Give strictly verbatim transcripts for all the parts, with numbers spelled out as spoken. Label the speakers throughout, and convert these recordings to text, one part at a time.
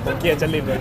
Speaker 1: ผมเกลียดจริตเลย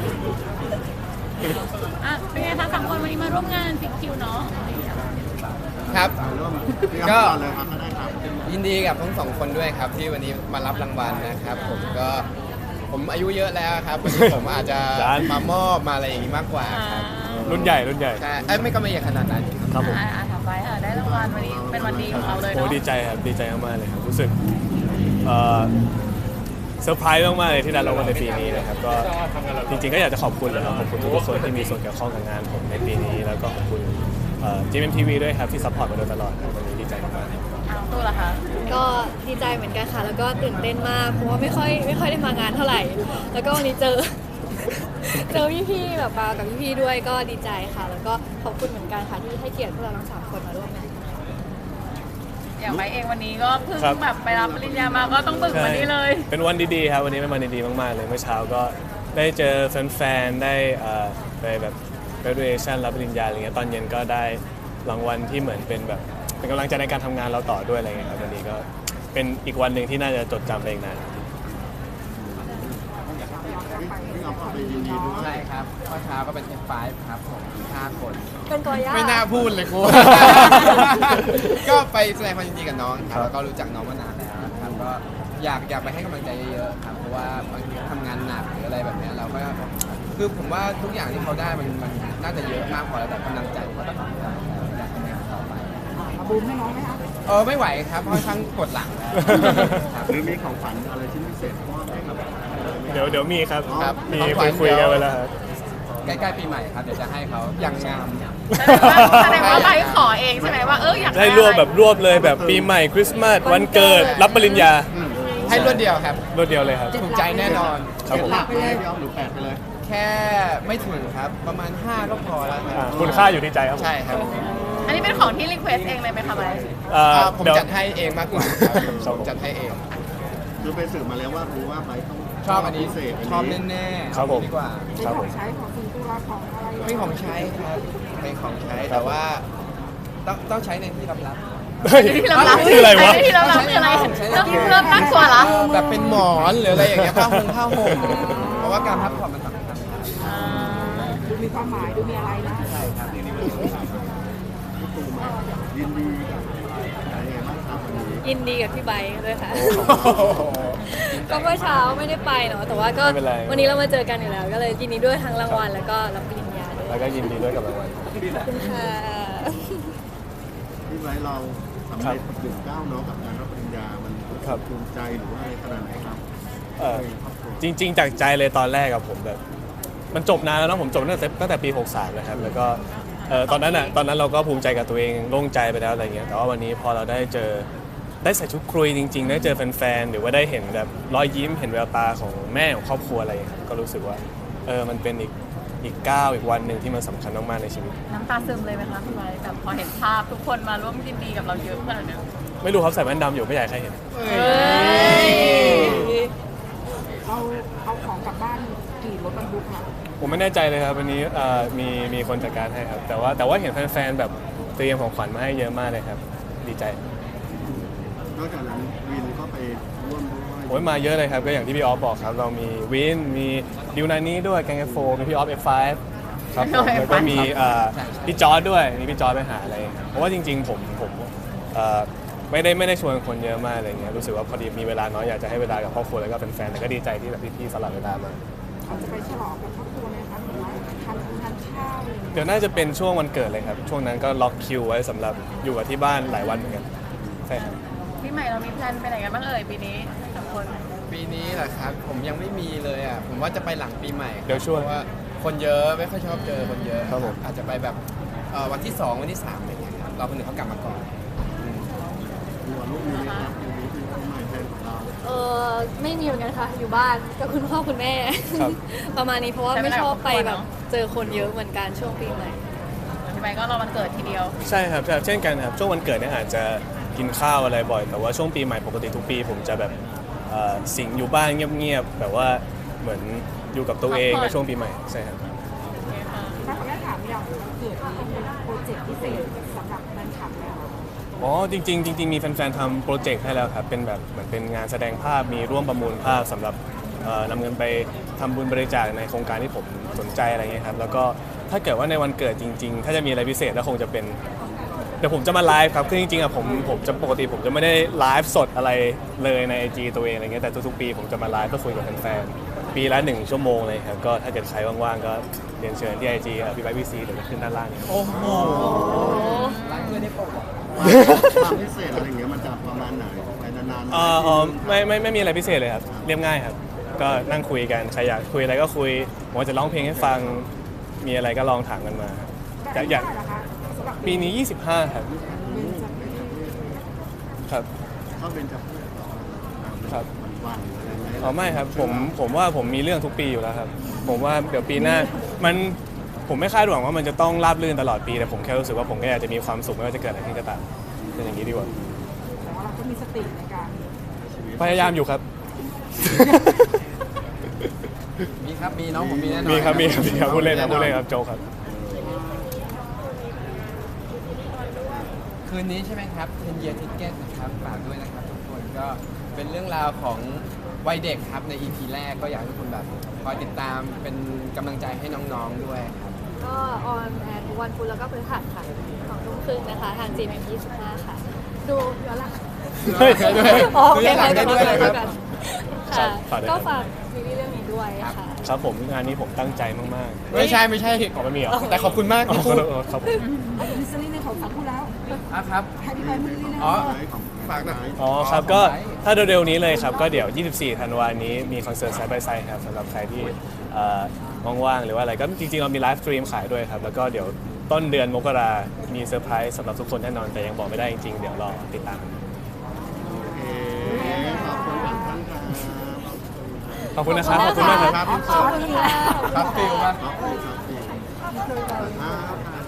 Speaker 2: อ่ะเป็นไงคะสามคนวันนี้มาร่วมงานฟิกคิวเนาะ
Speaker 3: ครับก็
Speaker 4: เลยครับก็ได้ครับ
Speaker 3: ยินดีกับทั้งสองคนด้วยครับที่วันนี้มารับรางวัลนะครับ ผมก็ผมอายุเยอะแล้วครับวันนี้ผมอาจจะ
Speaker 1: จาน
Speaker 3: มามอบมาอะไรอย่างนี้มากกว่าครับ
Speaker 1: รุ่นใหญ่รุ่นใหญ่
Speaker 3: ใช่เอ้ยไม่ก็ไม่ใหญ่ขนาดนั้นครับ
Speaker 1: ครับผม
Speaker 2: อ่ะอ่ะถามไปค่ะได้รางวัลวันนี้เป็นวันดีของเราเลย
Speaker 1: โอ้
Speaker 2: เนาะ
Speaker 1: ดีใจครับดีใจมากๆเลยครับรู้สึกเอ่อเซอร์ไพรส์มากๆเลยที่ได้รางวัลในปีนี้นะครับก็จริงๆก็อยากจะขอบคุณเลยครับขอบคุณทุกคนที่มีส่วนเกี่ยวข้องกับงานผมในปีนี้แล้วก็ขอบคุณจีเอ็มทีวีด้วยครับที่ซัพพอร์ตมาโดยตลอดครับวันนี้ดีใจมากๆครับ
Speaker 2: อ้าวตู้ละคะ
Speaker 5: ก็ดีใจเหมือนกันค่ะ แล้วก็ตื่นเต้นมาก เพราะว่าไม่ค่อยไม่ค่อยได้มางานเท่าไหร่ แล้วก็วันนี้เจอ เจอพี่ๆแบบมากับพี่ๆด้วยก็ดีใจค่ะ แล้วก็ขอบคุณเหมือนกันค่ะที่ให้เกียรติพวกเราทั้งสามคนมาร่วมงาน
Speaker 2: อย่างไปเองวันนี้ก็เพิ่ง
Speaker 1: ครับ
Speaker 2: แบบไปรับปริญญามาก็ต้องบึกวันนี้เลย
Speaker 1: เป็นวันดีๆครับวันนี้เป็นวันดีๆมากๆเลยเมื่อเช้าก็ได้เจอแฟนๆได้เอ่อไปแบบ graduation รับปริญญาอะไรเงี้ยตอนเย็นก็ได้รางวัลที่เหมือนเป็นแบบเป็นกำลังใจในการทำงานเราต่อด้วยอะไรเงี้ยครับวันนี้ก็เป็นอีกวันหนึ่งที่น่าจะจดจำไปอีกนาน
Speaker 4: พี่เอาเข้าไปยินดีด้วย
Speaker 3: ใช่ครับเมื่อเช้าก็เป็น เอฟ ไฟว์ ครับผมห้าคน
Speaker 5: เป็นกอย่า
Speaker 3: ไม่น่าพูดเลยกู ก็ไปแสดงความยินดีกับน้องครับแล้วก็รู้จักน้องมานานแล้วนะครับก็อยากอยากไปให้กำลังใจเยอะๆครับเพราะว่าบางทีเขาทำงานหนักหรืออะไรแบบเนี้ยเราก็คือผมว่าทุกอย่างที่เขาได้มันมันน่าจะเยอะมากพอแล้วแต่กำลังใจเขาต้องทำได้แล้วอยากทำงานต่อไปบูมให้น้องไหมคะเออไม่ไหวครับเพราะทั้งปวดหลังแล้วครับ
Speaker 4: หรือมีของฝันอะไรชิ้นพิเศษมอบให้ครับ
Speaker 1: เดี๋ยวเดี๋ยวมีครับ
Speaker 3: ครับ
Speaker 1: มี
Speaker 3: ของข
Speaker 1: คุ
Speaker 3: วั
Speaker 1: ย
Speaker 3: ญ
Speaker 1: คุยกันไว้แล้วครับ
Speaker 3: ใกล้ๆปีใหม่ครับเดี๋ยวจะให้เขาอย่างงาม
Speaker 2: แสดงว่าแสดงว่าไปขอเองใช่ไหมว่าเอออยาก
Speaker 1: ได้รวบแบบรวบเลยแบบปีใหม่คริสต์มาสวันเกิดรับปริญญา
Speaker 3: ให้รวดเดียวครับ
Speaker 1: รวดเดียวเลยครับ
Speaker 3: ถูกใจแน่นอน
Speaker 1: ครับผม
Speaker 4: หลักไปเลยพี่อ้อมหรือแปดไปเลย
Speaker 3: แค่ไม่ถึงครับประมาณห้าก็พอแล้วค
Speaker 1: อ่า
Speaker 3: รับ
Speaker 1: คุณค่าอยู่ที่ใจครับผม
Speaker 3: ใช่ครับ
Speaker 2: อันนี้เป็นของที่รีเควสเองเลยไหมคะไป
Speaker 1: เอ่อ
Speaker 3: อ่าผม
Speaker 1: เดี๋ยว
Speaker 3: จัดให้เองมากกว่าครับ
Speaker 1: ครับ
Speaker 3: ผม
Speaker 1: ผม
Speaker 3: จัดให้เอง
Speaker 4: คือไปสืบมาแล้วว่ารู้ว่าไบค์ต้อง
Speaker 3: ชอบอันนี้
Speaker 4: พิเศษ
Speaker 3: ชอบแน่ๆ
Speaker 1: ครับผม
Speaker 3: เอาดีกว่า
Speaker 1: ครับผม
Speaker 3: เป็นของใช้ครับเป็นของใช้แต่ว่าต้องต้องใช้ในที่ลับๆ
Speaker 1: เฮ้ย
Speaker 2: ที่เรารับ
Speaker 1: คืออะไรวะ
Speaker 2: ที่เรารับคืออะไร
Speaker 3: ใช้ใน
Speaker 2: เริ่ม
Speaker 3: ที่
Speaker 2: เริ่มน่ากลัวละ
Speaker 3: แบบเป็นหมอนหรืออะไรอย่างเงี้ยผ้าห่มผ้าห่มเพราะว่าการพักผ่อนมันสำคัญครับ
Speaker 2: อ่า
Speaker 6: ดูมีความหมายดูมีอะไรนะ
Speaker 3: ใช่ครับ
Speaker 4: ตูมายินดีกับอะไรยังไงบ้างครับวันนี้
Speaker 5: ยินดีกับพี่ไบค์ด้วยค่ะ ก็เมื่อเช้าไม่ได้ไปเนาะแต่ว่าก็
Speaker 1: ไม่เป็นไร
Speaker 5: วันนี้เรามาเจอกันอยู่แล้ว ก็เลยยินดีด้วยทั้งรางวัลแล้วก็รับปริญญาด้วย
Speaker 1: แล้วก็ยินดีด้วยกับรางวัล
Speaker 5: ขอบคุณค่ะ
Speaker 4: พี่ไบค์เราสำเร็จถึงเก้าวเนาะกับการรับปริญญา มัน
Speaker 1: ครับ
Speaker 4: ภูมิใจหรือว่าอะไรขนาดไหนครับ
Speaker 1: เอ่อจริง ๆ จากใจเลยตอนแรกกับผมแบบ มันจบนานแล้วเนอะผมจบตั้งแต่ตั้งแต่ปีหกสามนะครับแล้วก็เอ่อตอนนั้นอ่ะตอนนั้นเราก็ภูมิใจกับตัวเองโล่งใจไปแล้วอะไรเงี้ยแต่ว่าวันนี้พอเราได้เจอได้ใส่ชุดครุยจริง ๆ ได้เจอแฟนๆหรือว่าได้เห็นแบบรอยยิ้มเห็นแววตาของแม่ของครอบครัวอะไรอย่างเงี้ยก็รู้สึกว่าเออมันเป็นอีกอีกก้าวอีกวันหนึ่งที่มันสำคัญมากๆในชีวิต
Speaker 2: น้ำตาซึมเลยไหมคะพี่ไบร์ทแบบพอเห็นภาพทุกคนมาร่วมยินดีกับเราเยอะขนาดนี้
Speaker 1: ไม่รู้ครับใส่แว่นดำอยู่ไม่อยากให้ใครเห็น
Speaker 2: เฮ้ย
Speaker 6: เราเอาของกลับบ้านกี่รถบรรทุกคะ
Speaker 1: ผมไม่แน่ใจเลยครับวันนี้เอ่อมีมีคนจัดการให้ครับแต่ว่าแต่ว่าเห็นแฟนๆแบบเตรียมของขวัญมาให้เยอะมากเลยครับดีใจ
Speaker 4: นอกจากนั้นวินก็ไปร่วมด้วย
Speaker 1: โอ้ยมาเยอะเลยครับก็อย่างที่พี่ออฟบอกครับเรามีวินมีดิวนานี้ด้วยแกงเอฟโฟมีพี่ออฟเอฟไฟครับผมแล้วก็มีเอ่อพี่จอร์ดด้วยมีพี่จอร์ดไปหาอะไรครับเพราะว่าจริง ๆ ผมผมเอ่อไม่ได้ไม่ได้ชวนคนเยอะมากอะไรเงี้ยรู้สึกว่าพอดีมีเวลาน้อยอยากจะให้เวลากับครอบครัวแล้วก็เป็นแฟนแต่ก็ดีใจที่แบบพี่ๆสลับเวลามา
Speaker 6: เราจะไปฉลองกับครอบครัวไหมคะหรือว่าทานทานข้าวอะไรอย่างเงี้ย
Speaker 1: เดี๋ยวน่าจะเป็นช่วงวันเกิดเลยครับช่วงนั้นก็ล็อกคิวไว้สำหรับอยู่กับที่บ้านหลายวันเหมือนกันใช่ครับ
Speaker 2: พี่ใหม่เรามีแพลนไปไหนกันบ้างเอ่ยปีนี้สามคน
Speaker 3: ปีนี้แหละครับผมยังไม่มีเลยอ่ะผมว่าจะไปหลังปีใหม่ครับ
Speaker 1: เดี๋ยวช่วง
Speaker 3: เพราะว่าคนเยอะไม่ค่อยชอบเจอคนเยอะ
Speaker 1: ครับผม
Speaker 3: อาจจะไปแบบเอ่อวันที่สองวันที่สามอะไรอย่างเงี้ยครับเราคนอื่นเขากลับมาก่อน
Speaker 4: หัวลูกมีไหมครับปีนี้คือปีใหม่แทนของเรา
Speaker 5: เออไม่มีเหมือนกันค่ะ อยู่บ้านกับคุณพ่อคุณแม่
Speaker 1: ครับ
Speaker 5: ประมาณนี้เพราะว่าไม่ชอบไปแบบเจอคนเยอะเหมือนกันช่วงปีใหม่
Speaker 2: พี่ใบร์ทก็รอวันเกิดทีเดียว
Speaker 1: ใช่ครับใช่ครับเช่นกันครับช่วงวันเกิดเนี่ยอาจจะกินข้าวอะไรบ่อย แต่ว่าช่วงปีใหม่ปกติทุกปี ผมจะแบบเอ่อสิงอยู่บ้านเงียบๆแบบว่าเหมือนอยู่กับตัวเอง
Speaker 2: พักผ่อน
Speaker 1: ในช่วงปีใหม่ใช่ครับ
Speaker 6: ถ้าขออนุญาตถามอย่างเกิดนี้เป็นโปรเจกต์พิเศษสำหรับแฟนคลับแล้ว
Speaker 1: อ๋อจริงๆจริงๆมีแฟนๆทำโปรเจกต์ให้แล้วครับเป็นแบบเหมือนเป็นงานแสดงภาพมีร่วมประมูลภาพสำหรับเอ่อนำเงินไปทำบุญบริจาคในโครงการที่ผมสนใจอะไรเงี้ยครับแล้วก็ถ้าเกิดว่าในวันเกิดจริงๆ ถ้าจะมีอะไรพิเศษก็คงจะเป็นเดี๋ยวผมจะมาไลฟ์ครับคือจริงๆอะผมผมจะปกติผมจะไม่ได้ไลฟ์สดอะไรเลยใน ไอ จี ตัวเองอะไรเงี้ยแต่ทุกๆปีผมจะมาไลฟ์เพื่อคุยกับแฟนๆปีละหนึ่งชั่วโมงเลยครับก็ถ้าเกิดใครว่างๆก็เรียนเชิญที่ ไอ จี พี่ไบค์พีซีเดี๋ยวจะขึ้นด้านล่างนี้
Speaker 3: โอ้โห
Speaker 4: ความพิเศษอะไรอย่างเงี้ยมันจะประมาณไหนไปนานๆ
Speaker 1: เอ่ออ๋อไม่ไม่ไม่มีอะไรพิเศษเลยครับเรียบง่ายครับก็นั่งคุยกันใครอยากคุยอะไรก็คุยผมจะร้องเพลงให้ฟังมีอะไรก็ลองถามกันมาแต่อยาก
Speaker 6: เหรอคะสำหรับ
Speaker 1: ปีนี้ยี่สิบห้าครับ
Speaker 6: เป็นจะ
Speaker 1: ครับ
Speaker 4: เข้าเป็นจับ
Speaker 1: ครับ
Speaker 4: วันๆอะไรอย่างเงี้ย
Speaker 1: อ๋อไม่ครับผมผมว่าผมมีเรื่องทุกปีอยู่แล้วครับผมว่าเดี๋ยวปีหน้ามันผมไม่คาดหวังว่ามันจะต้องราบรื่นตลอดปีแต่ผมแค่รู้สึกว่าผมก็อยากจะมีความสุขไม่ว่าจะเกิดอะไรขึ้นก็ตามเป็นอย่างนี้ดีกว่า
Speaker 6: แต่ว่าเราก็มีสติในการ
Speaker 1: พยายามอยู่ครับ
Speaker 3: มีครับมีน้องผมมีแน่นอน
Speaker 1: มีครับมีครับมีครับพูดเล่นครับพูดเล่นครับโจกครับ
Speaker 3: คืนนี้ใช่ไหมครับ ten year ticket นะครับฝากด้วยนะครับทุกคนก็เป็นเรื่องราวของวัยเด็กครับใน อี พี แรกก็อยากให้ทุกคนแบบคอยติดตามเป็นกำลังใจให้น้องๆด้วยครับ
Speaker 5: ก็ออนแอร์ทุกวันพุธแล้วก็พฤหัสค่ะสองทุ่มครึ่งนะคะ ทาง จี เอ็ม เอ็ม ยี่สิบห้าค่ะ ดูย้อนหลัง
Speaker 1: เฮ้ย
Speaker 5: อ๋อโอเค
Speaker 3: ดูย้อนหลังได้ด้วย
Speaker 5: ได้
Speaker 3: ครับ
Speaker 5: กัน
Speaker 1: ครั
Speaker 5: ค่ะ
Speaker 1: บฝากด้วย
Speaker 5: ก็
Speaker 1: ครับ
Speaker 5: ฝากซีรีส์เรื่องนี้ด้วยค่ะ
Speaker 1: ครับผมงานนี้ผมตั้งใจมาก
Speaker 3: ไม่ใช่ไม่ใช่
Speaker 1: ๆขอไม่มีเหรอ
Speaker 3: แต่ขอบคุณมาก
Speaker 1: อ๋อ
Speaker 3: ที่พูด
Speaker 1: ครับผม
Speaker 6: อันนี้ซีรีส์ในของสามพูดแล้ว
Speaker 3: อ่ะครับ
Speaker 6: ให้พี่ไปมือนี่นะ
Speaker 3: อ๋อ
Speaker 4: ของ
Speaker 3: ฝากหน่อย
Speaker 1: อ๋อครับก็ถ้าเร็วๆนี้เลยครับก็เดี๋ยว ยี่สิบสี่ ธันวาคมนี้มีคอนเสิร์ตไซด์บายไซด์ครับสำหรับใครที่เอ่อว่างๆหรือว่าอะไรก็จริงๆเรามีไลฟ์สตรีมขายด้วยครับแล้วก็เดี๋ยวต้นเดือนมกรามีเซอร์ไพรส์สำหรับทุกคนแน่นอนแต่ยังบอกไม่ได้จริงๆเดี๋ยวรอติดตาม
Speaker 4: โอเคขอบคุณท่านครับ
Speaker 1: ขอบคุณนะครับขอบคุณมากครับ
Speaker 6: ขอบคุณค่ะ
Speaker 3: ครับฟิลครับ
Speaker 4: ขอบคุณครับอ่าครับ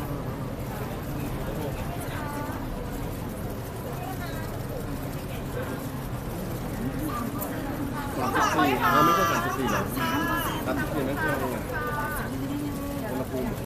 Speaker 4: สามสิบสี่เราไม่ใช่สามสิบสี่หรอสามสิบสี่นั่นคืออุณหภูมิ